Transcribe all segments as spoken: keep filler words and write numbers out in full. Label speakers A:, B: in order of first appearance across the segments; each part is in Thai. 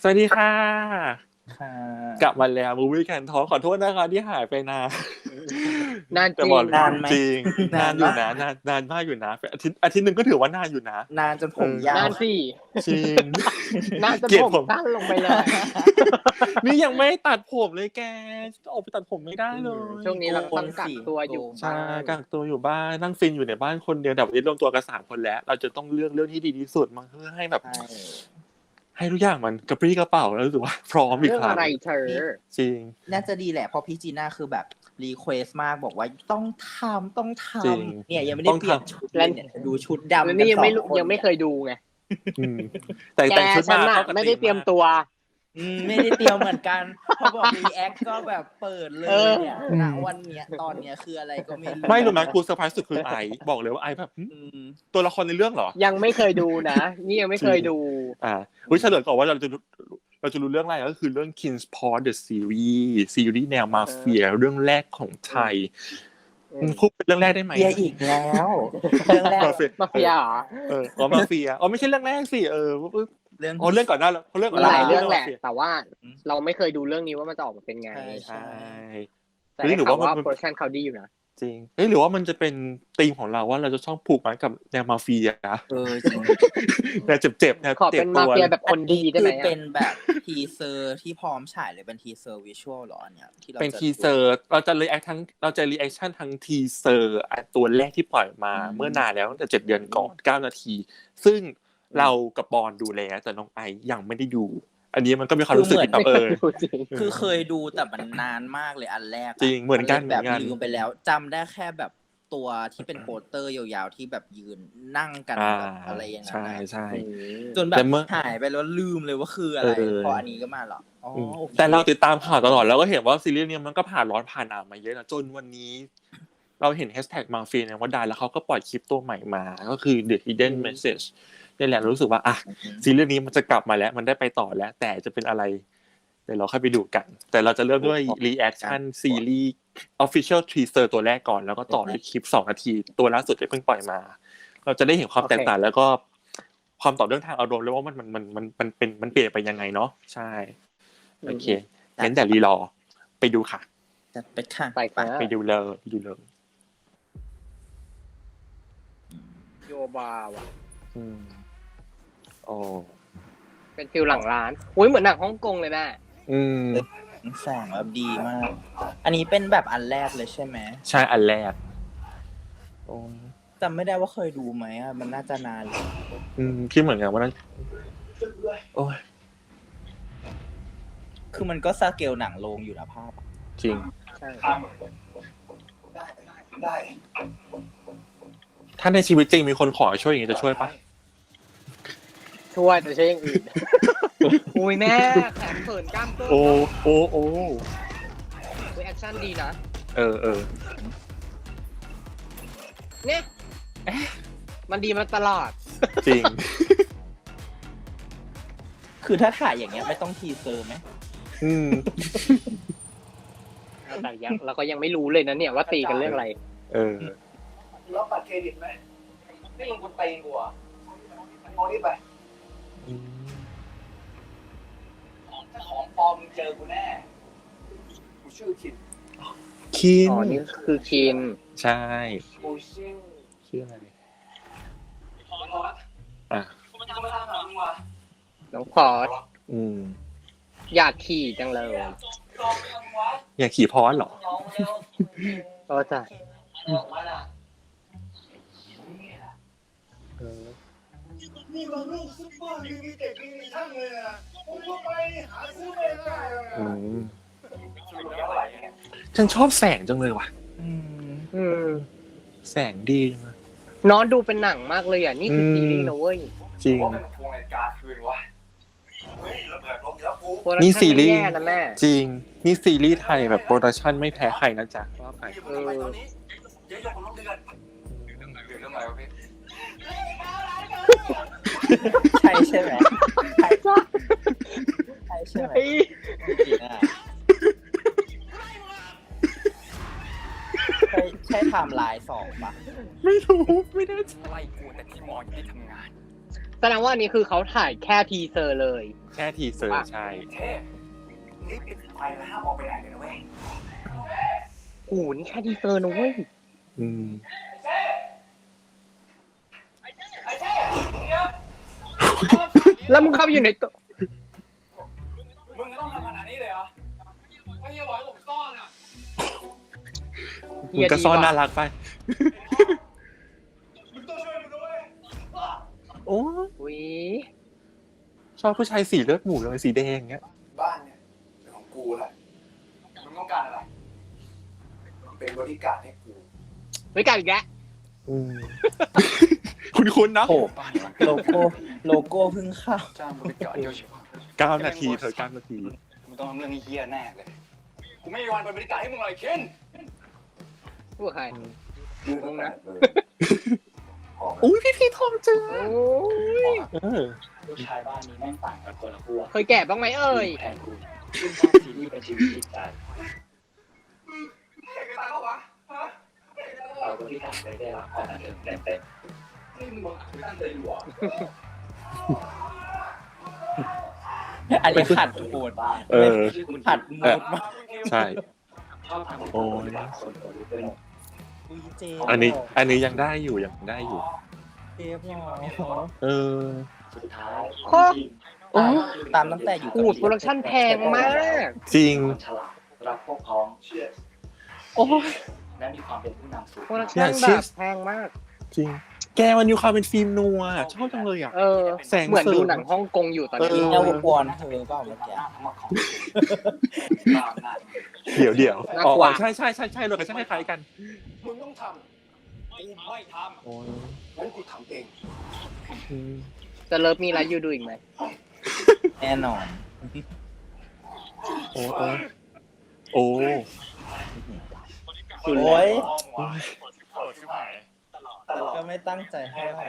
A: สวัสดีค่ะ
B: ค่ะ
A: กลับมาแล้วมูวี่แคนทอล์คขอโทษนะคะที่หายไปนาน
C: นานจ
A: แต่
C: ริ
A: บ
C: ง
A: อก
B: นานไหม
A: จริงนาน
B: าน
A: อยู่
B: มาก
A: นะนานนานมากอยู่นะอาทิตย์อาทิตย์หนึงก็ถือว่านานอยู่นะ
B: นานจนผมยาวน
C: านสิ
A: จริง
C: นานจน
A: เกลียด
C: ผม
A: ผม
C: สั้นลงไปเลย
A: นี่ยังไม่ตัดผมเลยแกออกไปตัดผมไม่ได้เลย
C: ช่วงนี้เราต้องกักตัวอยู่
A: ใช่
C: บ้าน
A: กักตัวอยู่บ้านนั่งฟินอยู่ในบ้านคนเดียวแต่วันนี้รวมตัวกันสามคนแล้ว เราจะต้องเลือกเรื่องที่ดีที่สุดมาเพื่อให้แบบ
B: ใช่
A: ให้ทุกอย่างมันกระปรี้กระเป๋าแล้วรู้สึกว่าพร้อมอีก
C: เรื่อง
A: ครั้ง
C: อะไรเธอ
A: จริง
B: น่าจะดีแหละเพราะพี่จีน่าคือแบบรีเควสมากบอกว่าต้องทำต้องท
A: จริง
B: ำเนี่ยยังไม่ได้
A: ต้อง
B: เปลี่ยน
A: ทำ
B: ชุดเลยเนี่ยดูชุดดำ
C: แล้ว
B: กั
C: นี่
B: น
C: ยัง
B: สอ
C: ไม่
B: ง
C: รู้
B: คน
C: ยังไม่เคยดูไง
A: อืมแต่
C: แก
A: แต่งชุด
C: ฉั
A: มาน
C: น่ะ
A: เข้ากับ
C: ไม่ได้เตรียม
A: ธีา
C: ตัว
B: อืมไม่ได้เตรียมเหมือนกันพอบอกรีแอคก็แบบเปิดเลย
C: เออ
B: เนี่ยณวันเนี้ยตอนเนี้ยคืออะไรก็ไม่รู้
A: ไม่รู้ไหมกูเซอร์ไพรส์สุดคือไอบอกเลยว่าไอแบบหึ
B: อืม
A: ตัวละครในเรื่องเหรอ
C: ยังไม่เคยดูนะ นี่ยังไม่เคยดู
A: อ่าวิเฉลยก่อนว่าเราจะเราจะรู้เรื่องอะไรก็คือเรื่อง Kingsport the Series ซีรีส์แนวมาเฟียเรื่องแรกของไทย
C: อืม
A: อืมพูดเป็นเรื่องแรกได้ไหม
B: เบียร์อีกแล้วเรื่องแรก
A: มาเฟีย
C: มาเฟียเหรอ
A: เอออ๋อมาเฟียอ๋อไม่ใช่เรื่องแรกสิเออ
B: เรื่อง
A: อ๋อเรื่องก่อนหน้าแล้วเรื่องก่อน
C: ห
A: น้า
C: ลายเรื่องแหละ
A: มาฟีย
C: แต่ว่าเราไม่เคยดูเรื่องนี้ว่ามันจะออกมาเป็นไง
B: ใช่
A: ใช่
C: แต่
A: เฮ้ย
C: ได้
A: หรือ
C: ข่าว
A: ว่า
C: ว่า
A: มัน
C: โปรดักชั่นเขาดีอยู่นะ
A: จริงเฮ้ยหรือว่ามันจะเป็นธีมของเราว่าเราจะชอบผูกมัดกับแนวมาเฟียนะ
B: เออจริง
A: แนวเจ็บๆแนว
C: ขอ
A: เจ็
C: เป็
A: บ
C: น
A: ตั
C: มาว เฟียแบบคนดีได้ไหม
B: คือ
C: อะ
B: เป็นแบบทีเซอร์ที่พร้อมฉายเลยเป็นทีเซอร์วิชวลหรออันเนี้ยที่เรา
A: เป็น
B: จะ
A: ทีเซอร์เราจะรีแอคทั้งเราจะรีแอคชั่นทั้งทีเซอร์ตัวแรกที่ปล่อยมาเมื่อนานแล้วตั้งแต่เจ็ดเดือนก่อนเก้านาที ซึ่งเรากับบอลดูแล้วแต่น้องไอยังไม่ได้ดู อันนี้มันก็มีความรู้สึกแบบเออ
C: ดูจริง
B: คือเคยดูแต่มันนานมากเลยอันแรกะ
A: จริงเหมือนกัน
B: แบบ
A: เหมือนกัน
B: ลืมไปแล้วจำได้แค่แบบตัวที่เป็นโปสเตอร์ยาวๆที่แบบยืนนั่งกัน
A: อ่า
B: แบบอะไรอย่างเงี้
A: ใช่
B: ย
A: ใช่
B: จนแบ
A: แต่
B: บ
A: เมื่อ
B: หายไปแล้วลืมเลยว่าคืออะไร
A: เออ
B: พออันนี้ก็มาเหรออ๋อโอค
A: แต่เราติดตามข่าวตลอดแล้วก็เห็นว่าซีรีส์เนี้ยมันก็ผ่านร้อนผ่านหนาวมาเยอะนะจนวันนี้ เราเห็นแฮชแท็กมาเฟียเนี่ยว่าได้แล้วเขาก็ปล่อยคลิปตัวใหม่มา ก็คือ The Hidden Message นี่แหละรู้สึกว่าอ่ะซีรีส์นี้มันจะกลับมาแล้วมันได้ไปต่อแล้ว แต่จะเป็นอะไรเดี๋ยวเราค่อยไปดูกัน แต่เราจะเริ่มด้วย reaction ซีรีส์ official teaser ตัวแรกก่อนแล้วก็ต่อด้วยคลิปสองนาทีตัวล่าสุดที่เพิ่งปล่อยมา เราจะได้เห็นความแตกต่างแล้วก็ความต่อเรื่องทางอารมณ์แล้วว่ามันมันมันมันมันเป็นมันเปลี่ยนไปยังไงเนาะใช่โอเคงั้นแต่รีรอไปดูค่ะ
B: จัดไปค่ะ
C: ไปค่ะ
A: ไปดูเลยไปดูเลย
C: โยบาว่ะ
A: อืมโอ้
C: เป็นฟิลหลังร้านอุ้ยเหมือนหนังฮ่องกงเลยแม่
A: อืม
B: แสงแบบดีมาก อันนี้เป็นแบบอันแรกเลยใช่ไหม
A: ใช่อันแรกโอ้
B: จำไม่ได้ว่าเคยดูไหมอ่ะมันน่าจะนานเลย
A: อืมคิดเหมือนกันว่านั้นโอ้ย
B: คือมันก็สเกลหนังโรงอยู่นะภาพ
A: จริง
C: ใช่
A: ถ้าในชีวิตจริงมีคนขอช่วยอย่างนี้จะช่วยปะ
C: ช่วยแต่ใช่อย่างอื่น อุ้ยแม่แขนเขินกล้ามเกิน
A: โอ้โอ้โอ้
C: แอคชั่นดีนะ
A: เออเออ
C: เนี่ยมันดีมาตลอด
A: จริง
B: คือถ้าถ่ายอย่างเงี้ยไม่ต้องทีเซอร์ไหม
A: อืม
C: แต่ยังเราก็ยังไม่รู้เลยนะเนี่ยว่าตีกันเรื่องอะไร
A: เออ
D: รับบัตรเครดิตไหมนี่มึงกูตีกูอ่ะมองนี่ไป
A: อืม
D: ถ้าของปลอมมึงเจอกูแน่ กูชื่อคิน
A: คิน
C: อ๋อ นี่คือคิน
A: ใช่
D: กูชื่อ
A: ชื่ออะไร
D: พอส
A: อ่ะ
D: กูไม่ทำอะไรหรอกมึงวะ
C: น้องพอส
A: อืม
C: อยากขี่จังเลย
D: ลองทำวะ
A: อยากขี่พอสเหรอ
D: ลองเร็ว
C: โอ้จ้ะ
D: ออกมาล่ะ
A: เออ
D: นี่มันลูกซุปเปอร์ลิมิเต็ดลิมิชั่นเลยอ่ะผมก็ไปหาซื้อไม่ได้เลย
A: อืม
D: เท่าไหร่เนี่ย
A: ฉันชอบแสงจังเลยว่ะ
B: อืม
C: อืม
A: แสงดีจังเลย
C: น้องดูเป็นหนังมากเลยอ่ะ นี่คือซีรีส์นะเว้ย
A: จริง
D: ว่าเป็นพวงรายการคืนวะเฮ้ยระเบิดลงแล้วกู
C: โปรดัก
A: นี่
C: ชั่
A: ซีรีส์
C: ไม่แย่นะแม่
A: จริง นี่ซีรีส์ไทยแบบโปรดักชั่นไม่แพ้ใครนะจ๊ะว่าไป
D: เออตอนนี้เดี๋ยวจะผมต้องเดือนเดือนอะไรเดือนอะไรวะพี่
B: ใช่ใช่ไหมใช่ใช่ใช่ไหมจริงอ่ะใช่ใช่ไทม์ไลน์สองปะ
A: ไม่รู้ไม่แน่ใจ
E: ไล่กูแต่ที่มอยังได้ทำงาน
C: แสดงว่าอันนี้คือเขาถ่ายแค่ทีเซอร์เลย
A: แค่ทีเซอร์ใช่
E: เท่รีบปิดไฟแล้วห้ามออกไปไหนเลยนะเว้ย
C: โอ้โหนี่แค่ทีเซอร์นะเว้ย
A: อืม
C: แล้วมึงเข้าไปอยู่ในตัว
E: มึงก็ต้องทำขนาดนี้เลยเหรอไม่ใช่บอกให้ผมซ่อนอ่ะ
A: มึงก็ซ่อนน่ารักไป
D: มึงต้องช่วยมึงด้วย
A: โอ้
C: อุ้ย
A: ชอบผู้ชายสีเลือดหมูเลยสีแดงเงี้ย
E: บ้านเนี่ยเป็นของกูละมึงต้องการอะไรเป็นบริการดให้กู
C: ไว้กันอีกแล้ว
A: อืม คุณคุณนะ
B: โอ้โลโก้โลโก้เพิ่งเข้า
E: จ้างบริการเดียวเฉพาะ
A: เก้านาทีเธอเก้านาที
E: มึงต้องทำเรื่องเฮี้ยแน่เลยกูไม่มีวันเป็นบริการให้มึงเลยเคน
C: พูดกับใคร
E: มึงนะ
A: อุ้ยพี่พี่ทองเจอ
C: โอ้ย
A: เออ
F: ลูกชายบ้านนี้แม่งต่างกันคนละขั้ว
C: เคยแก่บ้างไหมเอ่ย
F: แทนคุณซึ่งสร้างซีรีส์เป็นชีวิตจิตใจ
E: เห็นกันตาเขาวะฮะ
F: เราก็ที่การได้รับความบันเทิงเต็ม
E: นี่มึงบอกกูตั้งใจอยู่อ่ะ
B: อันนี้ขัด
F: ๆ
B: โหด
F: บ้าน
A: เออ
B: ขัดโหมดมาก
A: ใช่
F: ชอบทำ
A: โอ้ย
F: ส่วนตัวรู้ด้วย
B: อุ้ยเจ
A: อันนี้ อันนี้ยังได้อยู่ยังได้อยู่
B: เจฟหรอ
A: เออ
F: สุดท้าย
C: โอ้
B: ตามตามตั้งแต่อยู่
C: โอ้โหโปรดักชั่นแพงมาก
A: จริง
F: ฉลาดรักพวกพ้องเชื่อ
A: โอ้ย
F: และมีความเป็นผู้นำสูง
C: โปรดักชั่น
A: อย่าเชื่
C: แบ
A: อ
C: บแพงมาก
A: จริง แกมันอยู่ความเป็นฟิล์มนัวชอบจังเลยอ่ะ
C: เออ
A: แสง
C: เหมือน
A: เสริม
C: ดูหนังฮ่องกงอยู่ตอน
A: เอ
C: นี้
A: อ
B: เอลกวนเธอเปล่าเมื่อกี้
F: ทั้งหมดของตามหน้า
A: เดี๋ยวเดี๋ยวอ๋อใช่ใช่ใช่ใช่เลยกันใช่คล้ายๆกัน
E: มึงต้องทำกูไม่ท
A: โอ้ย
E: ำงั้นกูทำเอง
A: อืม
C: จะเลิฟมีอะไรยูดูอีกไหม
B: แน่นอน
A: โอ้โอ้โอ้
B: โอ้ย
A: โอ้ย
B: ก็ไม่ตั้งใจให้เท่าไหร่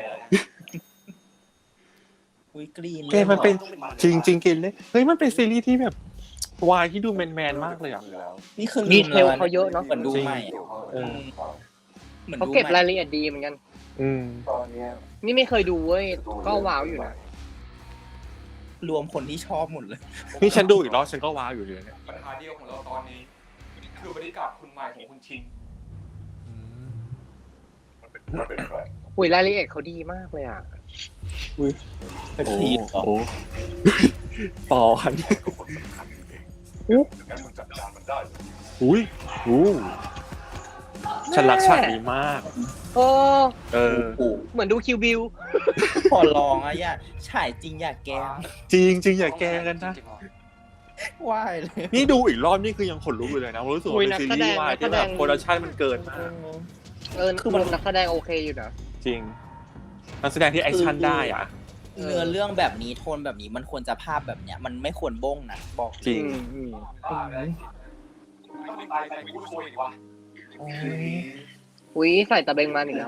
B: อุ้ยกรีน
A: แกมันเป็นจริงจริงกินเลยเฮ้ยมันเป็นซีรีส์ที่แบบวายที่ดูแมนแมนๆมากเลยอ่ะ
B: นี่คือ
C: ดีเทลเขาเยอะเนาะ
B: เหมือนดูใหม่อะ
A: เออ
B: เหมือน
C: เขา
B: ดู
C: เก็บ
B: ใหม่
C: รายละเอียดดีเหมือนกัน
A: อืม
E: ตอนเนี้ย
C: นี่ไม่เคยดูเว้ย ก็ว้าวอยู่นะ
B: รวมคนที่ชอบหมดเลย
A: นี่ฉันดูอีกรอบฉันก็ว้าวอยู่เลยเนี่ย
E: ปัญหาเดียวของเราตอนนี้ คือบริการคุณใหม่ของคุณชิงมันเป็นใคร
C: อุ้ยรายละเอียดเขาดีมากเลยอ่ะ
B: เป็น
A: โอ้
B: ทีมเหรอ
A: โอ้ปอน
E: งั้นมึงจัดการมันได้เลย
A: อุ้ยอู้ฉันรักฉากนี้มาก
C: โอ้
A: เออ
C: เหมือนดูคิวบิว
B: ขอลองอะอย่าฉายจริงอย่าแกล้ง
A: จริงจริงอย่าแกล้งกันนะ
B: ว่ายเลย
A: นี่ดูอีกรอบนี่คือยังขนลุกอยู่เลยนะรู้สึกว่าเป็นซีรีส์วายที่แบบโปรดักชั่นมันเกินมาก
C: เออคือมันนักแสดงโอเคอยู่นะ
A: จริงนักแสดงที่แอคชั่นได้อ่ะ
B: เนื้อเรื่องแบบนี้โทนแบบนี้มันควรจะภาพแบบเนี้ย มันไม่ควรบ้งนะบอก
A: จริง
C: อืมอืม
E: ต้องตายใส่กูช่วยอีกวะ
C: อุ้ยใส่ตะเบงมาอีกแล้ว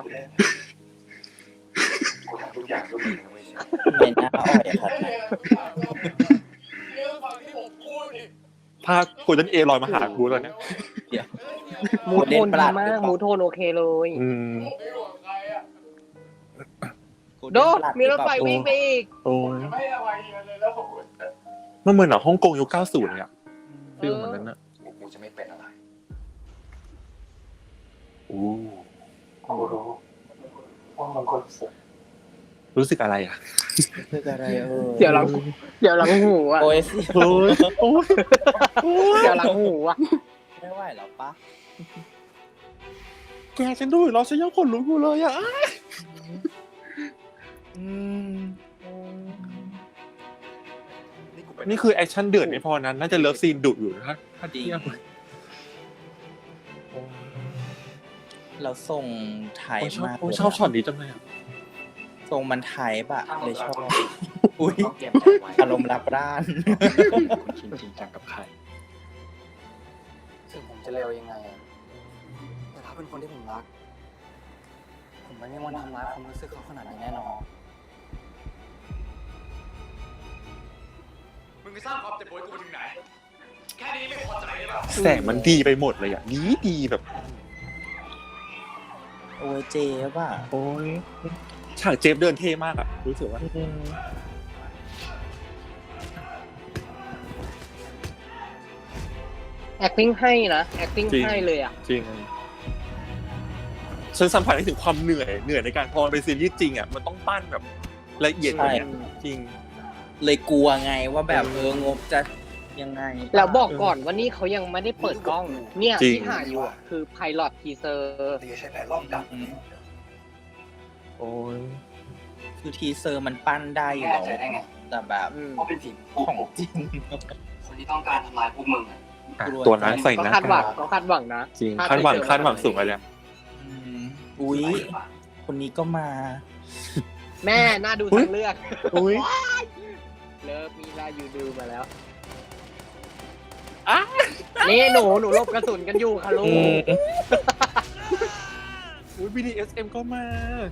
E: กูทำทุกอย่างด้วยมือนะเว้ย
B: ในหน้าอ่อยอะครับ
E: เรื่องฟังที่ผมพูดดิ
A: ภาพกูจนเอลอยมาหากูตอนเนี้ย
C: มูทโทนดีมาก มูทโทนโอเคเลย
A: อืม
E: ผมไม่ห่วงใครอ่ะ
C: โดมีรถไฟวิ่งไปอีก
A: โอ้ย
E: ไม่อะไรเลยแล้วผม
A: มันเหมือนหนังฮ่องกงยุคเก้าสิบเลยอ่ะฟิลเหมือนนั้นอ่ะ
E: กูจะไม่เป็นอะไร
A: อู้
E: กูรู้ว่ามันคนสุด
A: รู้สึกอะไรอ่ะ
B: คืออะไรเออ
C: เดี๋ยวหลัง เดี๋ยวหลังหูอ่ะ
B: โอ้ยสิ
A: โอ้ยโอ้ย
C: เดี๋ยวหลังหูอ่ะ
B: ไม่ไหวแล้วปะ
A: แกฉันดูอีกรอบฉันยังขนลุกอยู่เลยอ่ะ
B: อืม
A: นี่คือแอคชั่นเดือดไม่พอนั้นน่าจะเลิฟซีนดุอยู่นะถ้า
B: จริง
A: เทียบ
B: เราส่งไทย
A: โอ้ยชอบ
B: มาก
A: โอ้ยชอบช็อตนี้จังเลยอ่ะ
B: ทรงมันไทยปะเลยชอบ อุ้ย
F: ต้องเตรียมใจไว้
B: อารมณ์รับร้าน
F: คุณชินจริงจังกับใคร
E: ถึงผมจะเร็วยังไงอะแต่ถ้าเป็นคนที่ผมรัก ผมไม่มีวันทำร้ายความรู้สึกเขาขนาดนี้แน่นอน มึงไปสร้างความเจ็บปวดกูถึงไหน แค่นี้ไม่พอใจเลยป่ะ
A: แสงมันดีไปหมดเลยอ่ะดีดีแบบ
B: โอ้ยเจป่ะ
A: โอ้ยฉากเจฟเดินเท่มากอ่ะรู้สึกว่า
C: acting ให้นะ acting ให้เลยอ่ะ
A: จริงฉันสัมผัสได้ถึงความเหนื่อยเหนื่อยในการพอเป็นซีรีส์จริงอ่ะมันต้องปั้นแบบละเอียดกว่านี้จริง
B: เลยกลัวไงว่าแบบเอองบจะยังไง
C: แล้วบอกก่อนว่านี่เขายังไม่ได้เปิดกล้อง เนี่ย
A: จริง
C: ที่ถ่ายอยู่อะคือ pilot teaser
D: นี่ใช่แผนรอบดัก
A: โอ้ย
B: คือทีเซอร์มันปั้นได้อยู่แล้ว
F: แน่ใจได้ไง
B: แต่แบบ
C: อืม
F: เพราะเป็นสิ่ง
B: ของจริง
F: คนที่ต้องการทำลายพวกมึงอะ
A: อ่ะตัวนั้นใส่
C: ก็
A: หน้า
C: คาดหวัง
A: กาก
C: ก็คาดหวังนะ
A: จริง
C: ถ้
A: คาดหวัง
C: ไปเจอ
A: คาดหวังสูงอะไร
B: อืมอุ๊ยคนนี้ก็มา
C: แม่น่าดู
A: อุ๊ย
C: ทางเลือก
A: อุ้ย
C: เลิฟมีลายูดูมาแล้วนี่หนูหนูหลบกระสุนกันอยู่ค่ะลูก
A: อุ้ย บี ดี เอส เอ็ม ก็มา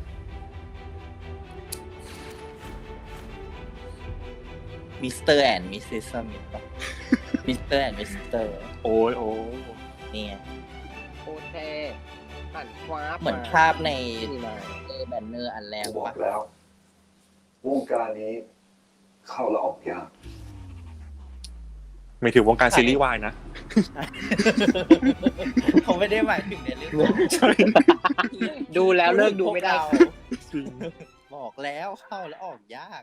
B: มิสเตอร์แอนด์มิสซิสสมิธมิสเตอร์แอนด์มิสเตอร์
A: โอ้ยโอ้
B: นี่ไง
C: โอเคหันคว้า
B: เหมือนภาพใน
C: นี่มา
B: เอแบนเนอร์อันแรก
D: บอก
B: ปะ
D: แล้ว วงการนี้เข้าและออกยาก
A: ไม่ถึงวงการซีรีส์วายนะ
B: เขาไม่ได้หมายถึงในเรื่อง
A: ใช่
C: ดูแล้วเลิกดูไม่ได้
A: จริง
B: บอกแล้วเข้าแล้วออกยาก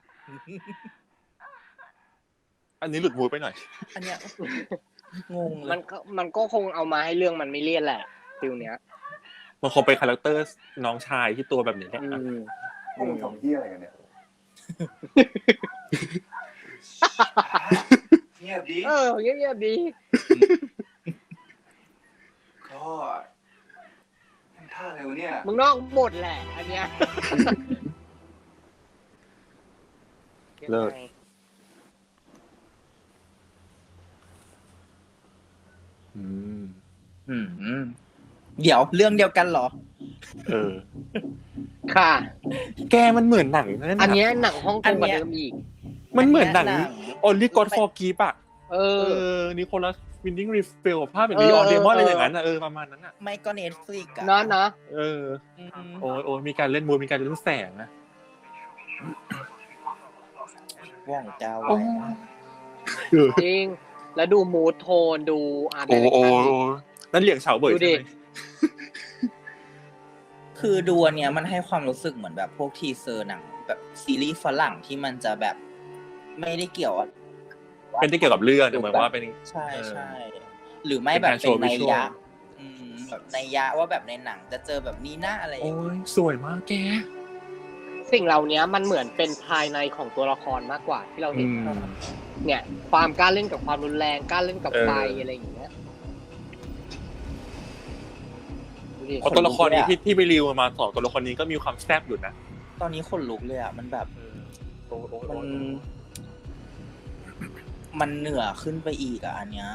A: อันนี้หลุดมูดไปหน่อย
B: อันเนี้ยงงเล
C: มั
B: ย
C: นก็มันก็คงเอามาให้เรื่องมันไม่เลี่ยนแหละฟิลเนี้ย
A: มันคงเป็นคาแรคเตอร์น้องชายที่ตัวแบบนี้แหละ
C: อืม
D: พวกมึงทำเหี้ยอะไรกันเนี่ย
F: เงียบดี
C: เออเงียบๆดี
F: ก็ทำท่าอะไรวะเนี่ย
C: มึงนอกบทแหละ อันเนี้ย
A: เลิศ อืม
B: อืมเดี๋ยวเรื่องเดียวกันเหรอ
A: เออ
C: ค่ะ
A: แกมันเหมือนหนังนั่น
C: อัน
A: น่ะ
C: เนี้ยหนังฮ่องก
B: อั
C: ง
B: น
C: กว่า
B: เนี้ย
C: เดิมอีก
A: มันเหมือนหนัง
B: อั
A: Only God Forgive อ่ะ
C: เอ
A: เอ
C: อ
A: อนิโคลัสวินดิ้งรีฟิลภาพแบบนี้ออนเดมอนอะไรอย่างนั้นอ่ะเออประมาณนั้นอ่ะ
B: ไม่ก็เน็ตฟลิกอะ
C: เนาะเนาะ
A: เออ
B: อืม
A: โอ้ยโอ้ยมีการเล่นมูดมีการเล่นแสงนะ
B: ว่องเจ้า
A: โอ้
B: ไว้
C: จริง แล้วดูมูดโทนดูอาร์ต
A: โอ้
C: เดเรค
A: โอ้
C: ชั่น
A: โอ้นั่นเหลียงเฉาเบย
C: ดูดิ
A: ใช่ไหม
B: คือดูอันเนี้ยมันให้ความรู้สึกเหมือนแบบพวกทีเซอร์หนังแบบซีรีส์ฝรั่งที่มันจะแบบไม่ได้เกี่ยวอะ
A: เป็นที่เกี่ยวกับเรื่องแต่เหมือนว่าเป็น
B: ใช่
A: เออ
B: ใช่หรือไม่แบบ
A: เป็นการโช
B: เป็น
A: ว์
B: นัย
A: visual
B: ยะอืมแบบนัยยะว่าแบบในหนังจะเจอแบบนี้นะอะไรอย่าง
A: โอ้
B: เงี้ย
A: ยสวยมากแก
C: สิ่งเหล่านี้มันเหมือนเป็นภายในของตัวละครมากกว่าที่เราเห็
A: อื
C: น
A: ม
C: เนี่ย ความกล้าเล่นกับความรุนแรงกล้าเล่นกับ
A: เออ
C: ไฟอะไรอย่างเงี้ยดูดิ
A: เพราะตัวละครนี้ที่ที่ไปรีวิวมาสองตัวละครนี้ก็มีความแซ่บอยู่นะ
B: ตอนนี้คนลุกเลยอ่ะมันแบบ
A: โอ้ยโอ้ย
B: มั
A: โอ้
B: น
A: ย
B: มันเหนือขึ้นไปอีกอ่ะอันเนี้ย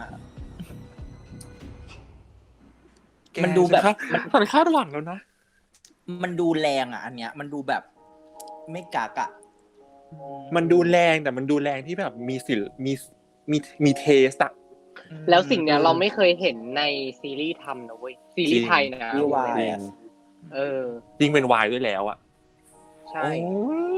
A: แก
B: มันดูแบบ
A: ฉันคาดฉันคาดหวังแล้วนะ
B: มันดูแรงอ่ะอันเนี้ย มันดูแบบไม่กากอ่ะ
A: มันดูแรงแต่มันดูแรงที่แบบมีศิลป์มีมีมีเทสอะ
C: แล้วสิ่งเนี้ยเราไม่เคยเห็นในซีรีส์ทำนะเว้ยซีรีส์ไทยนะ
B: ซีรีส์วาย
A: จริง
C: เออ
A: จริงเป็นวายด้วยแล้วอะ
C: ใช่
A: โอ้ย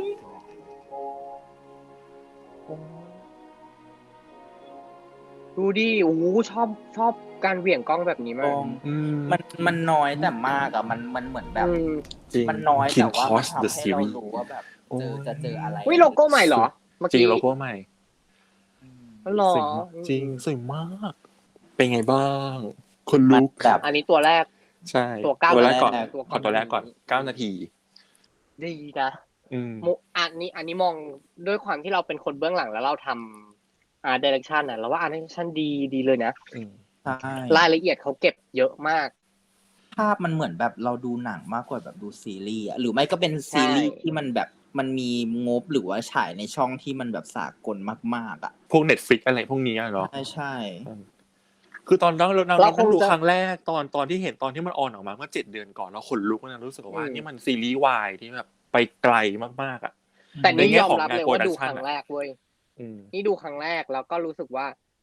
C: ดูดิโอ้โหชอบชอบการเหวี่ยงกล้องแบบนี้
B: ก
C: มา
B: ล้
C: ก
B: อง
A: อืม
B: มันมันน้อยแต่มากอ่ะมันมันเหมือนแบบ
C: อืม
A: จริง
B: มันน้อย
A: King
B: แต่ว่ามัน
A: Cost
B: ทำ
A: the
B: ให้เรา
A: series
B: รู้ว่าแบบเจอ
A: โอ้ย
B: จะเจออะไร
C: วิโลโก้ใหม่เหรอเมื่อ
A: จริง
C: กี้
A: โลโก้ใหม่
B: อืม
C: หรอ
A: สวยมากจริงสวยมาก เป็นไงบ้าง คนลุก
B: แบบ
C: อันนี้ตัวแรก
A: ใช่
C: ตัวเก้า
A: ตัวแรกก่อน
B: แรก
C: ตัว
A: ขอตัวแรกก่อนเก้านาที
C: ดีนะ
A: อืม
C: มุอันนี้อันนี้มองด้วยความที่เราเป็นคนเบื้องหลังแล้วเราทำอ่าดิเรกชันน่ะเราว่าอาร์ตดิเรกชันดีดีเลยนะ
A: อืม
B: ใช่
C: รายละเอียดเขาเก็บเยอะมาก
B: ภาพมันเหมือนแบบเราดูหนังมากกว่าแบบดูซีรีส์อะหรือไม่ก็เป็นซีรีส์
C: ใช่
B: ที่มันแบบมันมีงบหรือว่าฉายในช่องที่มันแบบสากลมากๆอ่ะ
A: พวก Netflix อะไรพวกนี้อะเนาะ
B: ใช่ใช่
A: คือตอนนั้นเราเรา
C: เรา
A: เรา
C: คง
A: ดู
C: จะ
A: ครั้งแรกตอนตอนที่เห็นตอนที่มันออนออกมาเมื่อเจ็ดเดือนก่อนเราขนลุกนะรู้สึกว่า
C: อืม
A: นี่มันซีรีส์วายที่แบบไปไกลมากๆอ่ะ
C: แต่นี่
A: ในแง่
C: ยอม
A: ของ
C: รับ
A: งาน
C: เลยว่าดู
A: production
C: ครั้งแรกเว้ย
A: อืม
C: นี่ดูครั้งแรกแล้วก็รู้สึกว่า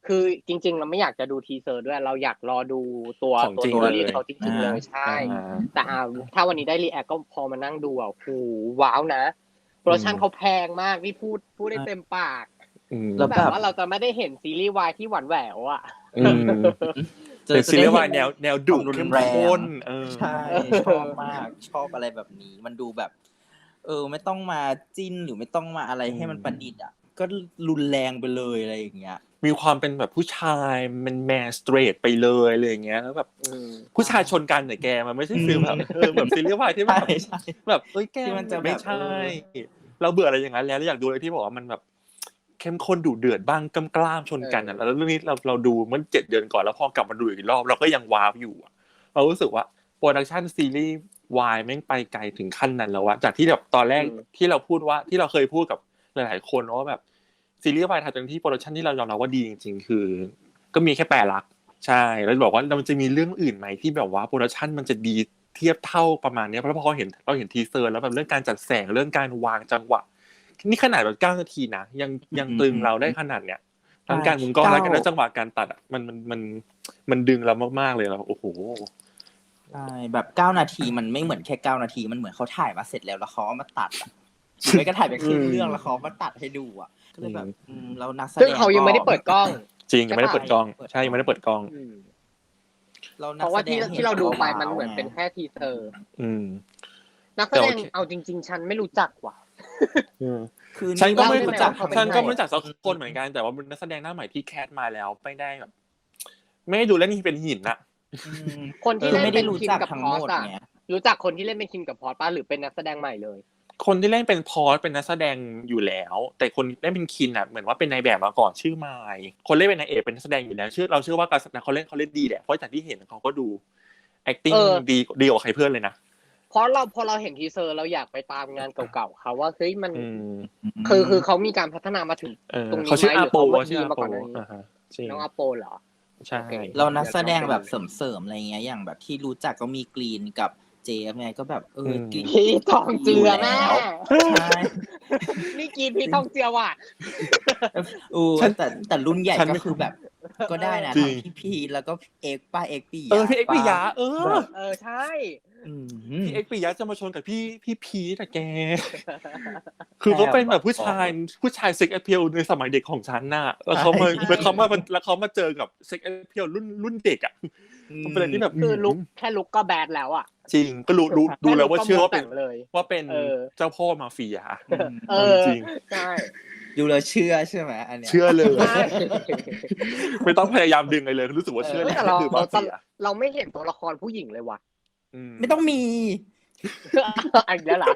C: คือจริงๆเราไม่อยากจะดูทีเซอร์ด้วยเราอยากรอดูตัว
A: ของ
C: ตัว
A: จริง
C: ตัว
A: เลย
C: รีเขาจริงๆเลยใช่
A: อ่า
C: แต่อ่าถ้าวันนี้ได้รีแอคก็พอมานั่งดูอ่ะโอ้โหว้าวนะโปรดักชั่น
A: อืม
C: เขาแพงมากนี่พูดพูดได้เต็มปาก
A: อืม
B: แล้ว
C: แบบว่าเราจะไม่ได้เห็นซีรีส์วายที่หวานแหววอ่ะ
A: อืม
B: เจอ
A: เป็นซีรีส์วายแนวแนวดุ
B: ความรุน
A: เข้ม
B: แรง
A: ข้นเออ
B: ใช่ชอบมากชอบอะไรแบบนี้ มันดูแบบ เออ ไม่ต้องมาจิ้นหรือไม่ต้องมาอะไรให้มันประดิษฐ์อ่ะ ก็รุนแรงไปเลยอะไรอย่างเงี้ย
A: มีความเป็นแบบผู้ชายมันแมนสเตรทไปเลยอะไรอย่างเงี้ยแล้วแบบ
C: อืม
A: ผู้ชายชนกันเนี่ยแกมันไม่ใช่ฟีลแบบเออแบบซีรีส์วายที่แบบ
B: ใช่ใช่
A: แบบเอ้ยแก
B: ที่มันจะแบบ
A: ไม่ใช่
B: เออ
A: เราเบื่ออะไรอย่างนั้นแล้วเราอยากดูอะไรที่บอกว่ามันแบบเข้มข้นดุเดือดบ้างกล้ามๆชนกันอ่ะแล้วเรื่องนี้เราเราดูมันเจ็ดเดือนก่อนแล้วพอกลับมาดูอีกรอบเราก็ยังว้าวอยู่อะเรารู้สึกว่าโปรดักชันซีรีส์วายแม่งไปไกลถึงขั้นนั้นแล้วอะจากที่แบบตอนแรก
C: อืม
A: ที่เราพูดว่าที่เราเคยพูดกับหลายๆคนว่าแบบซีรีส์วายไทยตอนที่โปรดักชันที่เรายอมรับว่าดีจริงๆคือ ก็มีแค่แปดหลักใช่แล้วบอกว่ามันจะมีเรื่องอื่นไหมที่แบบว่าโปรดักชันมันจะดีเทียบเท่าประมาณนี้เพราะพอเราเห็นเราเห็นทีเซอร์แล้วแบบเรื่องการจัดแสงเรื่องการวางจังหวะนี่ขนาดแบบเก้านาทีนะยังยังตรึงเราได้ขนาดเนี้ยทั้งการมุมกล้องและการจังหวะการตัดอ่ะมันมันมันมันดึงเรามากๆเลยแล้วโอ้โห
B: ใช่แบบเก้านาทีมันไม่เหมือนแค่เก้านาทีมันเหมือนเขาถ่ายมาเสร็จแล้วแล้วเขาเอามาตัดอ่ะหรือไม่ก็ถ่ายไปครึ่งเรื่องแล้วเขาเอามาตัดให้ดูอ่ะก็เลยแบบอืมแล้วนักแสดง
C: ซึ่งเขายังไม่ได้เปิดกล้อง
A: จริงยังไม่ได้เปิดกล้องใช่ยังไม่ได้เปิดกล้อง
C: อืม
B: เรานั
C: เพ
B: ก
C: ราะ
B: แส
C: ว่า
B: ด
C: ที่
B: ง
C: ที่เราดูไปมัน
B: ว้ว
C: เหมือนเป็นแค่ทีเซอร์
A: อืม
C: นักแส
A: แต่
C: ด
A: โอง เค
C: เอาจริง ๆ ฉันไม่รู้จักว่ะ
A: อืม
B: คือ
A: ฉันก็ไม่
C: เล่าได้ไหม
A: รู้จัก
C: ว่าเขาเป็น
A: ฉันก็
C: ใคร
A: ไม่รู้จักสักคนเหมือนกันแต่ว่าเป็นนักแสดงหน้าใหม่ที่แคสมาแล้วไม่ได้แบบไม่ได้ดูแล้วนี่เป็นหินอะ
B: อืม
C: คนที่
B: คือ
C: เล่น
B: ไม่ได้
C: เป็น
B: รู้
C: คิม
B: จัก
C: กับ
B: ทั้ง
C: พอ
B: ห
C: ส
B: มด
C: อะ
B: ไง
C: รู้จักคนที่เล่นเป็นคิมกับพอสป่ะหรือเป็นนักแสดงใหม่เลย
A: คนที่เล่นเป็นพอสเป็นนักแสดงอยู่แล้ว แต่คนเล่นเป็นคินอ่ะเหมือนว่าเป็นนายแบบมาก่อนชื่อไมค์คนเล่นเป็นนายเอกเป็นนักแสดงอยู่แล้วชื่อเราเชื่อว่าการแสดงเขาเล่นเขาเล่นดีแหละเพราะจากที่เห็นเขาก็ดู acting
C: เออ
A: ดีดีกว่าใครเพื่อนเลยนะ
C: เพราะเราพอเราเห็นทีเซอร์เราอยากไปตามงานเก่าๆเขาว่าเฮ้ยมัน
A: อืม
C: คือคือเขามีการพัฒนามาถึง
A: เออ
C: ตรงนี้
A: เขาชื่อ
C: ไหม
A: อา
C: หรือ
A: โป
C: เขา
A: ชื่อ
C: ดี
A: อา
C: มา
A: โป
C: ก่อนหน้านี้
A: อ่าฮะจริง
C: น้องอาโปเหรอ
A: ใช่
C: โอเค
B: เรานักแสดงแบบเสริมๆอะไรเงี้ยอย่างแบบที่รู้จักก็มีกรีนกับเจฟไงก็แบบเอออกรีน
C: พี่ทองเจือแม่
B: ใช่
C: นี่กินพี่ทองเจือว่ะ
B: อูแต่แต่รุ่นใหญ่
A: ฉัน
B: ก็
A: ไม่
B: คือแบบ ก็ได้นะ
A: จริง
B: ทั้งพี่พีแล้วก็เอกป้าเอกปี
A: เออพี่เอ็กซ์ปิยะเออ
C: เออใช่
B: อืม
A: พี่เอ็กซ์ปิยะจะมาชนกับพี่พี่พีทอะแก คือเขาเป็นแบบผู้ชายผู้ชายเซ็กแอพเพียลในสมัยเด็กของฉันน่ะแล้วเขามา
C: ใช่
A: แล้วเขามาแล้วเขามาเจอกับเซ็กแอพเพียลรุ่นรุ่นเด็กอ่ะมันเป็นอะไรที่แบบ
C: คือลุกแค่ลุกก็แบดแล้วอ่ะ
A: จริงก็รู้รู้ดูแล้วว่าเชื่อว่าเป็น
C: แค่ลุคก็มองแต่งเลย
A: ว่าเป็น
C: เออ
A: เจ้าพ่อมาเฟียอะ
C: เออ
A: จริง
C: ใช่
B: ดูแล้วเชื่อใช่ไหมอันเนี้ย
A: เชื่อเลย
C: ใช่
A: ไม่ต้องพยายามดึงอะไรเลยรู้สึกว่าเชื่อเลย
C: แต่เรา
A: คือ
C: เรา
A: มาเฟีย
C: เราไม่เห็นตัวละครผู้หญิงเลยว่ะ
A: อืม
B: ไม่ต้องมี
C: อันนี้แล้วเหรอ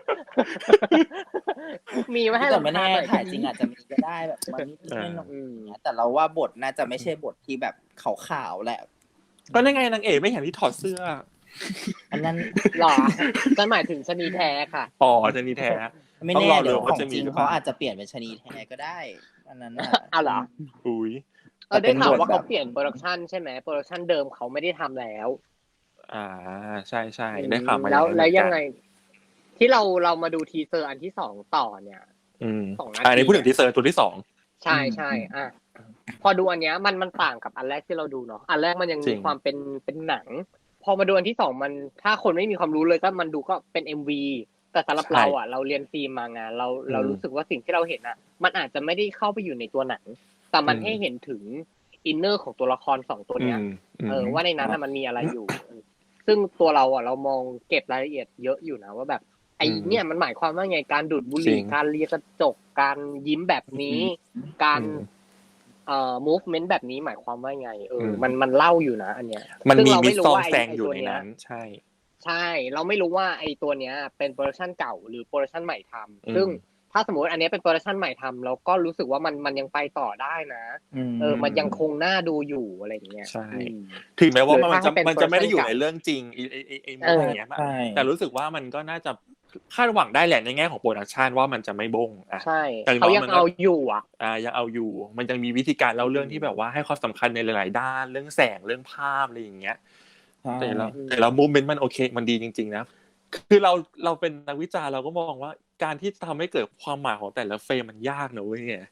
C: มีไว้ให้
B: แต่
C: เรา
B: ไม่แน่
C: หน่อย
B: ถ่ายจริงอาจจะมีก็ได้แบบมันนิดๆหน่อย
C: อืม
B: ๆแต่เราว่าบทน่าจะไม่ใช่บทที่แบบขาวๆแหละ
A: ก็นั่นไงนางเอกไม่เห็นที่ถอดเสื้อ
B: อันนั้น
C: หรอจะหมายถึงชะนีแท้ค่ะ
A: อ๋อจะนี่แท้
B: ไม่
A: ต้อง
B: แน่
A: รอดู
B: เดี๋ยว
A: ว่า
B: ของ
A: จะมี
B: จริง
A: หรือเปล่า
B: เขาอาจจะเปลี่ยนเป็นชะนีแท้ก็ได้อันนั้นน่ะ
C: เอาเหรอ
A: อุ้ย
C: เออได้ข่าวว่า
B: แต่เป็นบทแบบ
C: เขาเปลี่ยนโปรดักชันใช่ไหมโปรดักชันเดิมเขาไม่ได้ทำแล้ว
A: อ่าใช่ใช่ได้ข่าวมา
C: แล้ว
A: อางนั้น
C: แล้วยังไง
A: เหมือนกัน
C: ที่เราเรามาดูทีเซอร์อันที่สองต่อเนี่ย
A: อืม
C: สองนาที
A: อ่าในพูดถึงทีเซอร์ตัวที่สอง
C: ใช่ใช่อ่ะพอดูอันเนี้ยมันมันต่างกับอันแรกที่เราดูเนาะอันแรกมันยัง
A: จริ
C: มี
A: ง
C: ความเป็นเป็นหนัง พอมาดูอันที่สองมันถ้าคนไม่มีความรู้เลยก็มันดูก็เป็น เอ็ม วี แต่สำหรับเราอ่ะเราเรียนฟิล์มมางานเราเรารู้สึกว่าสิ่งที่เราเห็นอ่ะ มันอาจจะไม่ได้เข้าไปอยู่ในตัวหนัง แต่มันให้เห็นถึงอินเนอร์ของตัวละครสองตัวเนี้ย
A: อืมม
C: เออว่าในนั้นน่ะมันมีอะไรอยู่ ซึ่งตัวเราอ่ะเรามองเก็บรายละเอียดเยอะอยู่นะว่าแบบไอ
A: อืม
C: เนี่ยมันหมายความว่าไงการดูดบุห
A: จริ
C: รี่
A: ง
C: การเลียกระจกการยิ้มแบบนี้ การ
A: อืม
C: เอ่อ movement แบบนี้หมายความว่าไงเอออ
A: ม
C: มันมันเล่าอยู่นะอันเนี้ย
A: มัน
C: ซึ่ง
A: มี
C: เรา
A: มิ
C: ไม่
A: ส
C: รู้
A: ซอง
C: ว่าไอ้
A: แซงอยู่
C: ไอ้ตัว
A: ใน
C: เนี้ย
A: นั้น ใช่
C: ใช่ เราไม่รู้ว่าไอ้ตัวเนี้ยเป็นโปรดักชันเก่าหรือโปรดักชันใหม่ทำ
A: อืม
C: ซึ่งถ้าสมมติอันเนี้ยเป็นโปรดักชันใหม่ทำเราก็รู้สึกว่ามันมันยังไปต่อได้นะ เออ มันยังคงน่าดูอยู่อะไรอย่างเงี้ย
A: ใช่
C: อืม
A: ถึงแม้ว่า
C: หรือ
A: มันจะ
C: ถ้าให้เป็น
A: มันจะไม่ได้อยู่
C: production
A: ในเรื่องจริงไอ้ไอ้ไอ้ไอ้
C: เออ
A: อะไรเงี้ย
B: ใช่
A: แต่รู้สึกว่ามันก็น่าจะคาดหวังได้แหละในแง่ของโปรดักชันว่ามันจะไม่บงอ่ะ
C: ใช่
A: แต่
C: เขายัง
A: มันก็
C: เอาอยู่อ่ะ
A: อ่ายังเอาอยู่ มันยังมีวิธีการเล่าเรื่องที่แบบว่าให้ความสำคัญในหลาย ๆ ด้านเรื่องแสงเรื่องภาพอะไรอย่างเงี้ย แต่เราแต่เราโมเมนต์มันโอเคมันดีจริงๆนะคือเราเราเป็นนักวิจารณ์เราก็มองว่าการที่ทำให้เกิดความหมายของแต่ละเฟรมมันยากนะเว้ย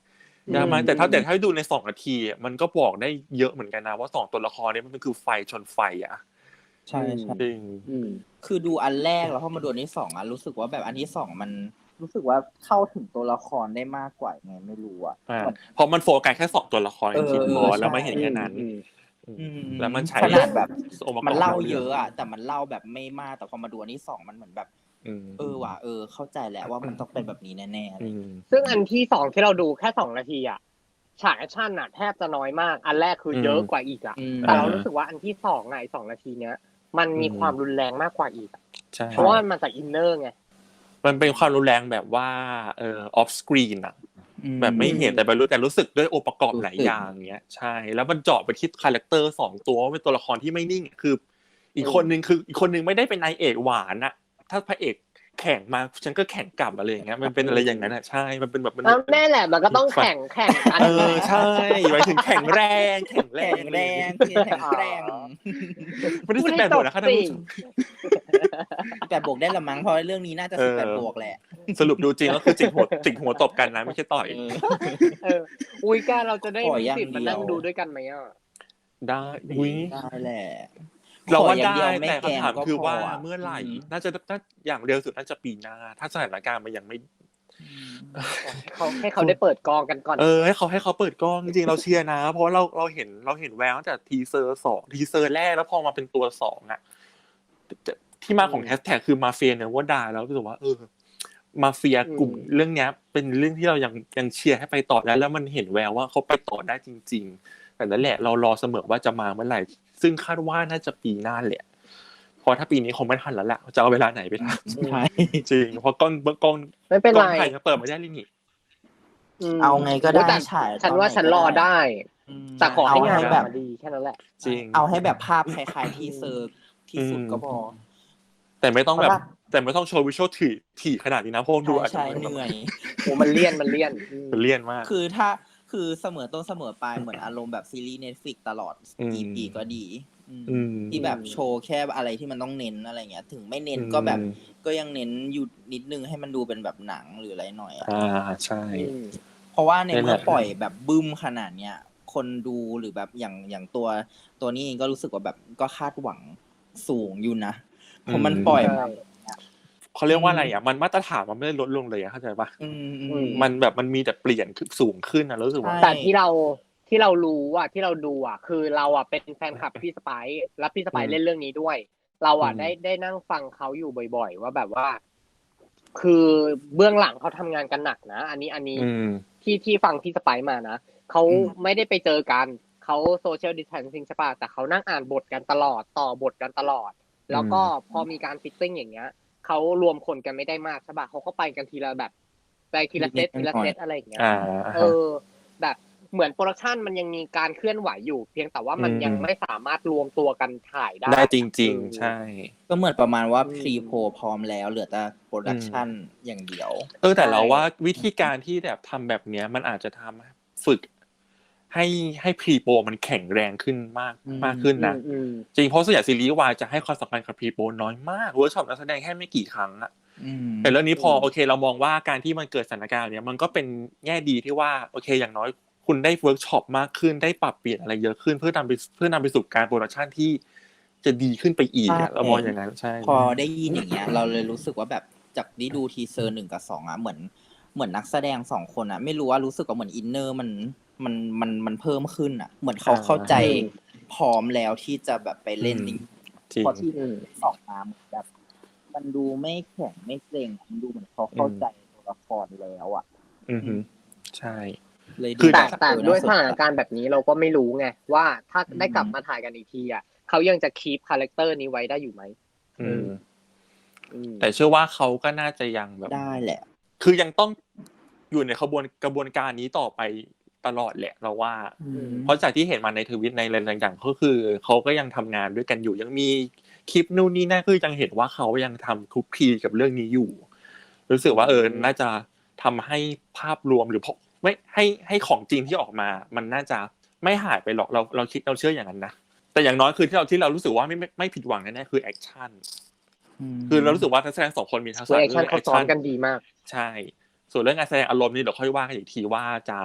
A: ยากมากแต่ถ้าแต่ถ้าดูในสองนาทีอะมันก็บอกได้เยอะเหมือนกันนะว่าสองตัวละครนี้มันคือไฟชนไฟอ่ะ
B: ใช่ใช่
A: จริง
C: อืม
B: คือดูอันแรกแล้วพอมาดูอันที่สองอ่ะรู้สึกว่าแบบอันที่สองมันรู้สึกว่าเข้าถึงตัวละครได้มากกว่าไงไม่รู้อ่ะ
A: อ่าเพราะมันโฟกัสแค่สองตัวละครจริงๆพอแล้วไม่เห็นแค่นั้น
C: อืม
B: อืม
A: แล้วมันใช้
B: ขนาดแบบ
A: องค์ประกอบ
B: มันเล่าเยอะอ่ะแต่มันเล่าแบบไม่มากแต่พอมาดูอันที่สองมันเหมือนแบบ
A: อืม
B: เออว่ะเออเข้าใจแล้วว่ามันต้องเป็นแบบนี้แน่ๆอะไร
A: อื
B: อย่างเงี้ย
A: ม
C: ซึ่งอันที่สองที่เราดูแค่สองนาทีอ่ะฉากแอคชั่นอ่ะแทบจะน้อยมาก อันแรกคือเยอะกว่าอีกอ่ะ
B: อืม
C: แต่เรารู้สึกว่าอันที่สองไงสองนาทีเนี้ย มันมีความรุนแรงมากกว่าอีกอะ
A: ใช่
C: เพราะว่ามันมาจากอินเนอร์ไง
A: มันเป็นความรุนแรงแบบว่าเอ่อออฟสกรีนอะแบบไม่เห็นแต่ไปรู้แต่รู้สึกด้วยองค์ประกอบหลายอย่างเงี้ยใช่แล้วมันเจาะไปที่คาแรคเตอร์สองตัวว่าเป็นตัวละครที่ไม่นิ่งคือ อีกคนนึงคืออีกคนนึงไม่ได้เป็นนายเอกหวานอะถ้าพระเอกแข่งมาฉันก็แข่งกลับอะไรอย่างเงี้ยมันเป็นอะไรอย่างนั้นอะใช่มันเป็นแบบมัน
C: แล้วแน่แหละมันก็ต้องแข่งแข่งกัน
A: เออใช่หมายถึงแข่งแรงแข่งแร
B: แข็
A: ง
B: งแรงแข็งแรง
A: ไม่ได้สิบแปดบวกนะคะท่านผู้ชม
B: แปดบวกได้ละมั้งเพราะเรื่องนี้น่าจะ
A: เอ
B: สิ
A: อ
B: บแปดบวกแหละ
A: สรุปดูจริงก็คือจิกหัวจิกหัวตบกันนะไม่ใช่ต่อย
B: เออ
C: เอออุ้ยแกเราจะได้
B: ขอ
C: มี
B: อย่าง
C: สิทธิ์มา
B: เดียว
C: นั่งดูด้วยกันไหมอ่ะ
A: ได้อุ้ย
B: ได้แหละ
A: เราว่า
B: ขออย่ง
A: ได้
B: เยวไม่
A: แต่
B: แกล้ง
A: คำถาม
B: ก็
A: คือว่า
B: พะ
A: เมื่อไหร่
B: ม
A: น่าจะน่าอย่างเร็วสุดน่าจะปีหน้าถ้าสถานการณ์มันยังไม่
C: เขาให้เขาได้เปิดกองกันก่อน
A: เออให้เขาให้เขาเปิดกล้องจริงๆเราเชียร์นะ เพราะเราเราเห็นเราเห็นแววตั้งแต่ทีเซอร์สองทีเซอร์แรกแล้วพอมาเป็นตัวสองอ่ะที่มาของแฮชแท็กคือมาเฟียเนี่ยว่าด่าแล้วรู้สึกว่าเออมาเฟียกลุ่มเรื่องเนี้ย เป็นเรื่องที่เรายังยังเชียร์ให้ไปต่อได้แล้วมันเห็นแววว่าเขาไปต่อได้จริง ๆ แต่นั่นแหละเรารอเสมอว่าจะมาเมื่อไหร่ซึ่งคาดว่าน่าจะปีหน้าแหละเพราะถ้าปีนี้คงไม่ทันแล้วแหละจะเอาเวลาไหนไปทำ
B: ใช่
A: จริงเพราะกล้องกล้อง
C: ไม่เป็น
A: กล้
C: ไร
A: องไทยยังเปิดไม่ได้เลยนี่
C: ม
B: เอาไงก็ได้
C: แต่
B: ฉาย
C: ฉันว่า
B: ตอนไหน
C: ฉันรอ
B: ก็ได้
C: ได้
B: อืม
C: แต่ขอให้งาน
B: เให้
C: อ
B: แบ
C: อบ กมาดีแค่นั้นแหละ
A: จริง
B: เอาให้แบบภาพคล้ายๆที่เซอร์ที่สุดก็พอ
A: แต่ไม่ต้องแบบ
B: เพราะว่า
A: แต่ไม่ต้องโชว์วิชวลถี่ถี่ขนาดนี้นะเพราะดู
B: ใช่
A: อาจจะ
B: ใช่เหนื่อย
C: โอ้มันเลี่ยนมันเลี่ยนอืม
A: มันเลี่ยนมาก
B: คือถ้าคือเสมอต้นเสมอปลายเหมือนอารมณ์แบบซีรีส์ Netflix ตลอด
A: อืม
B: อี พี ก็ดีอืม
A: อืม
B: ที่แบบโชว์แค่อะไรที่มันต้องเน้นอะไรเงี้ย ถึงไม่เน้นก็แบบก็ยังเน้นอยู่นิดนึงให้มันดูเป็นแบบหนังหรืออะไรหน่อยอะ
A: อ่าใช่
C: อืม
B: เพราะว่าใน
A: นั่นแห
B: เมื่อ
A: ละ
B: ปล่อยแบบบึ้มขนาดเนี้ยคนดูหรือแบบอย่างอย่างตัวตัวนี้เองก็รู้สึกว่าแบบก็คาดหวังสูงอยู่นะเพราะมันปล่อยมา
A: เขาเรียกว่าอะไรอ่ะมันมาตรฐานมันไม่ได้ลดลงเลยอะเข้าใจปะ
B: อืมอื
C: อื
B: ม
C: ม
A: มันแบบมันมีแต่เปลี่ยนขึ้นสูงขึ้นนะรู้สึกว่า
B: ใช่
C: แต่ที่เราที่เรารู้อ่ะที่เราดูอ่ะ คือเราอ่ะเป็นแฟนคลับพี่สไปซ์และพี่สไปซ์เล่นเรื่องนี้ด้วย เราอ่ะ
A: อืม
C: ได้ได้นั่งฟังเขาอยู่บ่อย ๆ ว่าแบบว่า คือเบื้องหลังเขาทำงานกันหนักนะอันนี้อันนี้
A: อืม
C: ที่ที่ฟังพี่สไปซ์มานะเขา
B: อืม
C: ไม่ได้ไปเจอกันเขาโซเชียลดิสแทนซิ่งใช่ป่ะแต่เขานั่งอ่านบทกันตลอดต่อบทกันตลอด แล้วก็พอมีการฟิตติ้งอย่างเงี้ยเขารวมคนกันไม่ได้มากใช่ป่ะเขาก็ไปกันทีละแบบไปทีละเซตทีละเซตอะไรอย่างเงี้ย
A: อ่า
C: เออ แบบเหมือนโปรดักชันมันยังมีการเคลื่อนไหวอยู่ เพียงแต่ว่ามัน
A: อืม
C: ยังไม่สามารถรวมตัวกันถ่ายได้
A: ได้จริง ๆ ใช่
B: ก็เหมือนประมาณว่า
C: อืม
B: พรีโพลพร้อมแล้วเหลือแต่โปรดักชันอย่างเดียว
A: เออแต่เรา
C: ใช่
A: ว่าวิธีการที่แบบทำแบบเนี้ยมันอาจจะทำฝึก ให้ให้พรีโปรมันแข็งแรงขึ้นมาก
B: อืม
A: มากขึ้นนะ
C: อืม
A: จริงเพราะส่วนใหญ่ซีรีส์วายจะให้ความสำคัญกับพรีโปรน้อยมากเวิร์กช็อปนักแสดงแค่ไม่กี่ครั้งอะ
B: อืม
A: แต่เรื่องนี้พอ
C: อืม
A: โอเคเรามองว่าการที่มันเกิดสถานการณ์เนี้ยมันก็เป็นแง่ดีที่ว่าโอเคอย่างน้อยคุณได้เวิร์กช็อปมากขึ้นได้ปรับเปลี่ยนอะไรเยอะขึ้นเพื่อนำไปเพื่อนำไปสู่การโปรดักชันที่จะดีขึ้นไปอีกอะ
B: ใช่
A: เรามองอย่างนั้นใช่
B: พอได้ยินอย่างเงี้ย เราเลยรู้สึกว่าแบบจากที่ดูทีเซอร์หนึ่งกับสองอ่ะเหมือนเหมือนนักแสดงสองคนอ่ะ ไม่รู้ว่ารู้สึกว่าเหมือนอินเนอร์มันมันมันมันเพิ่มขึ้นอ่ะ เหมือนเขาเข้าใจพร้อมแล้วที่จะแบบไปเล่นจริง
A: จริง
B: พอที่ออกมาเหมือนแบบ มันดูไม่แข็งไม่เกรงมันดูเหมือนเขาเข้าใจตัวละครแล้วอ่ะ
A: อือฮึใช่
B: เลยดู
A: คือ
C: แต่
B: บบ
C: แต่
B: เออ
C: ด้วย
B: น่
C: สถานการณ์แบบนี้เราก็ไม่รู้ไงว่าถ้า
B: อืม
C: ได้กลับมาถ่ายกันอีกทีอ่ะเขายังจะคีปคาแรคเตอร์นี้ไว้ได้อยู่ไหม
A: อืม
C: อืม
A: แต่เชื่อว่าเขาก็น่าจะยังแบบ
B: ได้แหละ
A: คือยังต้องอยู่ในขบวนกระบวนการนี้ต่อไปตลอดแหละเราว่า เพราะจากที่เห็นมาในทวิตในอะไรต่างๆก็คือเขาก็ยังทำงานด้วยกันอยู่ยังมีคลิปนู่นนี่นั่นคือยังเห็นว่าเขายังทำคลุกคลีกับเรื่องนี้อยู่ รู้สึกว่าเออน่าจะทำให้ภาพรวมหรือพไม่ให้ให้ของจริงที่ออกมา มันน่าจะไม่หายไปหรอกเราเราคิดเราเชื่ออย่างนั้นนะแต่อย่างน้อยคือที่เราที่เรารู้สึกว่าไม่ไม่ไม่ผิดหวังแน่ๆคือแอคชั่นคือเรารู้สึกว่านักแสดงสองคนมีทักษะ
C: แอคชั่น
A: เรื่อง
C: เขาซ้อมกันดีมาก
A: ใช่ ส่วนเรื่องการแสดงอารมณ์นี่เดี๋ยวค่อยว่ากันอีกทีว่าจะ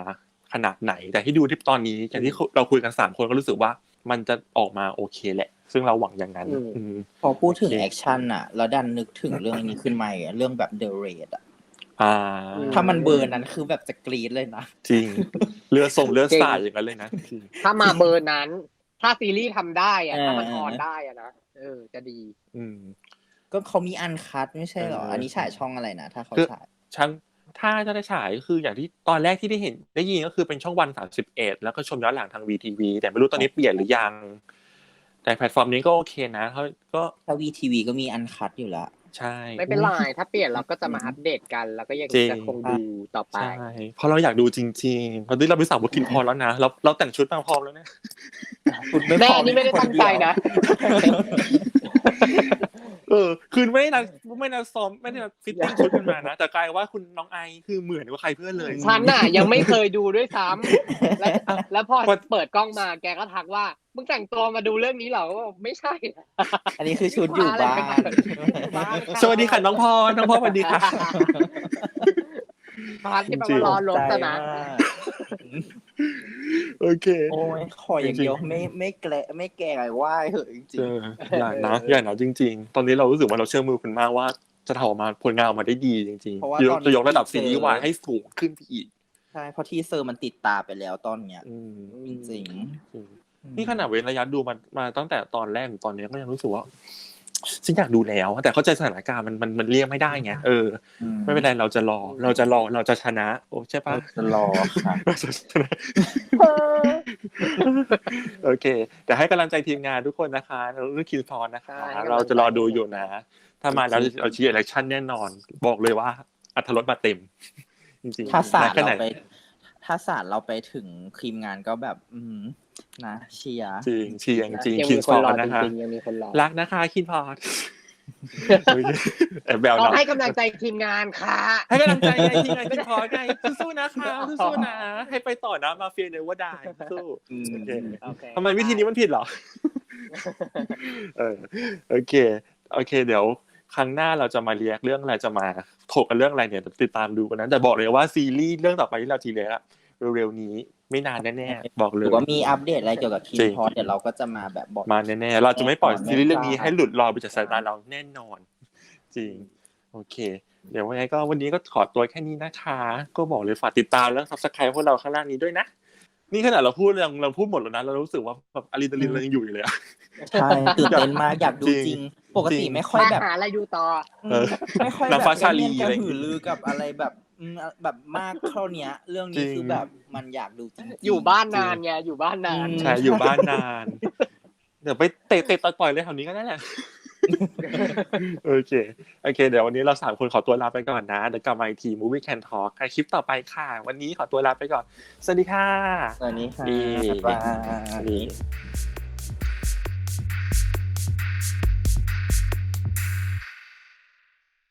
A: ขนาดไหนแต่ที่ดูที่ตอนนี้อย่างที่เราคุยกันสามคนก็รู้สึกว่ามันจะออกมาโอเคแหละซึ่งเราหวังอย่างนั้น
C: อืม
A: อืม
B: พอพูดถึง
A: โอเค
B: แอคชั่นอ่ะแล้วดันนึกถึงเรื่องนี้ขึ้นมาอีกอะเรื่องแบบ The Raid อ่ะ
A: อ่า
B: ถ้ามันเบอร์นั้นคือแบบจะกรี๊ดเลยนะ
A: จริงเลือดส่งเลือดสาดอย่างนั้นเลยนะจริง
C: ถ้ามาเบอร์นั้น ถ้าซีรีส์ทำได้อะ
B: เออ
C: ถ้ามันออนได้อะนะเออจะดี
A: อืม
B: ก็เขามีอันคัทไม่ใช่เหรอ
A: เอออั
B: อันนี้ฉายช่องอะไรนะ ถ้าเขา
A: คือ
B: ฉาย
A: ช่างถ้าจะได้ฉายก็คืออย่างที่ตอนแรกที่ได้เห็นได้ยินก็คือเป็นช่องวันสามสิบเอ็ดแล้วก็ชมย้อนหลังทาง วี ที วี แต่ไม่รู้ตอนนี้เปลี่ยนหรือยัง แต่แพลตฟอร์มนี้ก็โอเคนะเขาก็
B: ถ้า วี ที วี ก็มีอันคัทอยู่แล้ว
A: ใช่
C: ไม่เป็นไรถ้าเปลี่ยนเราก็จะมาอัปเดตกัน แล้วก็ยัง
A: จริง
C: จะคงดูต่อไป
A: ใช่เพราะเราอยากดูจริงๆตอนนี้เราไปสั่งบุกินพอแล้วนะเราเราแต่งชุดมาพร้อมแล้วเนี่ย
C: แม่นี่ไม่ได้ตั้งใจนะ
A: เออคือไม่ได้นัดไม่ได้นัดซ้อมไม่ได้นัดฟิตติ้งชุดขึ้นมานะแต่กลายว่าคุณน้องไอคือเหมือนกับใครเพื่อนเลย
C: ฉันน่ะยังไม่เคยดูด้วยซ้ำแล้วแล้วพอเปิดกล้องมาแกก็ทักว่ามึงแต่งตัวมาดูเรื่องนี้เหรอก็บอกไม่ใช่
B: อันนี้คือชุดอยู่บ้าน
A: สวัสดีค่ะน้องพรน้องพรสวัสดีค่ะ
C: พาร์ทที่แปลว่ารอลบซะนะ
A: โอเค
B: โอ้ยขออย่างเดียวไม่ไม่แกละไม่แก่ไหว้เหอะจริง
A: เอออย่านะอย่านะจริง ๆ ตอนนี้เรารู้สึกว่าเราเชื่อมือคุณมากว่าจะทำออกมาผลงานออกมาได้ดีจริงๆจะจะยกระดับซีรีส์วายให้สูงขึ้นไปอีก
B: ๆใช่เพราะทีเซอร์มันติดตาไปแล้วตอนเนี้ย
A: อืม
B: จริง
A: นี่ขนาดเว้นระยะดูมามาตั้งแต่ตอนแรกถึงตอนนี้ก็ยังรู้สึกว่าฉันอยากดูแล้วแต่เข้าใจสถานการณ์มันมันมันเลี่ยงไม่ได้ไงเออ
B: อืม
A: ไม่เป็นไรเราจะรอ เราจะรอเราจะชนะโอ้ใช่ปะ
B: จะรอค่ะ
A: เราจะชนะโอเคแต่ให้กำลังใจทีมงานทุกคนนะคะเราเรื่องคินฟอนนะคะ
C: ใช่ให้กำลังใจ
A: เราจะรอดูอยู่นะ ถ้ามาแล้วเราเชียร์อิเล็กชั่นแน่นอน บอกเลยว่าอรรถรสมาเต็ม จริงๆ
B: ถ้าศาสตร์
A: แค่ไหน
B: เราไป ถ้าศาสตร์เราไปถึงทีมงานก็แบบ อืมนะเชียร์
A: จริงเชียร์จริง
C: ยัง
A: คิ
C: มี
A: น
C: ค
A: ฟ
C: น
A: อ
C: รอ
A: ร์นะคะ
C: จริงๆยังมีคนรอ
A: รักนะคะคินฟอร์แอบแบว
C: เรา
A: นะ
C: ให้กำลังใจทีมงานค่ะ
A: ให้กำลังใจไงทีมงานคินฟอร์ไงสู้ๆนะคะสู้ๆนะให้ไปต่อนะมาเฟียเนว่าได้สู้
B: อืม
A: โอเค
C: โอเค
A: ทำไมวิธีนี้มันผิดเหรอ เออโอเคโอเค เดี๋ยวครั้งหน้าเราจะมาเรียกเรื่องอะไรจะมาถกกันเรื่องอะไรเนี่ยติดตามดูกันนะแต่บอกเลยว่าซีรีส์เรื่องต่อไปที่เราทีเรียกอะเร็วๆนี้ไม่นานแน่ๆบอกเล
B: ห
A: ย
B: รือว่ามีอัปเดตอะไรเกี่ยวกับทีม
A: จริง
B: พอเดี๋ยวเราก็จะมาแบบบอก
A: มาแน่ๆเราจะไม่ปล่อย
B: แน่นอน
A: ซีรีส์เรื่องนี้
B: แน่นอน
A: ให้หลุดลอยไปจากสายตาเราแน่นอน จริงโอเค เดี๋ยววันนี้ก็วันนี้ก็ขอตัวแค่นี้นะคะ ก็บอกเลยฝากติดตามแล้ว Subscribe พวกเราข้างล่างนี้ด้วยนะ นี่ขนาดเราพูดเราเราพูดหมดแล้วนะเรารู้สึกว่าแบบอะดรีนาลินเรายังอยู่อยู่เลยอะ
B: ใช่ตื่นเต้นมากอยากดู
A: จริง
B: จริง ปก
A: จ
B: ติ
A: ริง
B: ไม่ค่อย
C: มา
B: แบบ
C: หาอะไรดูต่อ
A: เออ
B: ไม่ค่อย
A: นาง
B: แบบ
A: ฟ้าชาลี
B: เล่น
A: อะไร
B: ก
A: อย่าง
B: ระ
A: งี้
B: หือรือกับอะไรแบบอืมแบบมากเท่าเนี้ย เรื่อง
A: จริ
B: นี้
A: ง
B: คือแบบมันอยากดูจริงๆ
C: อยู่บ้านนานไงอยู่บ้านนาน
B: อืม
A: ใช่อยู่บ้านนานเดี๋ยวไปเตะเตะต่อยปล่อยเลยแถวนี้ก็ได้แหละ โอเคโอเค เดี๋ยววันนี้เราสามคนขอตัวลาไปก่อนนะเดี๋ยวกลับมาอีกที Movie Can Talk ในคลิปต่อไปค่ะ วันนี้ขอตัวลาไปก่อนสวัสดีค่ะ
B: สวัสดีค่ะ
A: นี่
B: บ๊ายบาย
A: นี่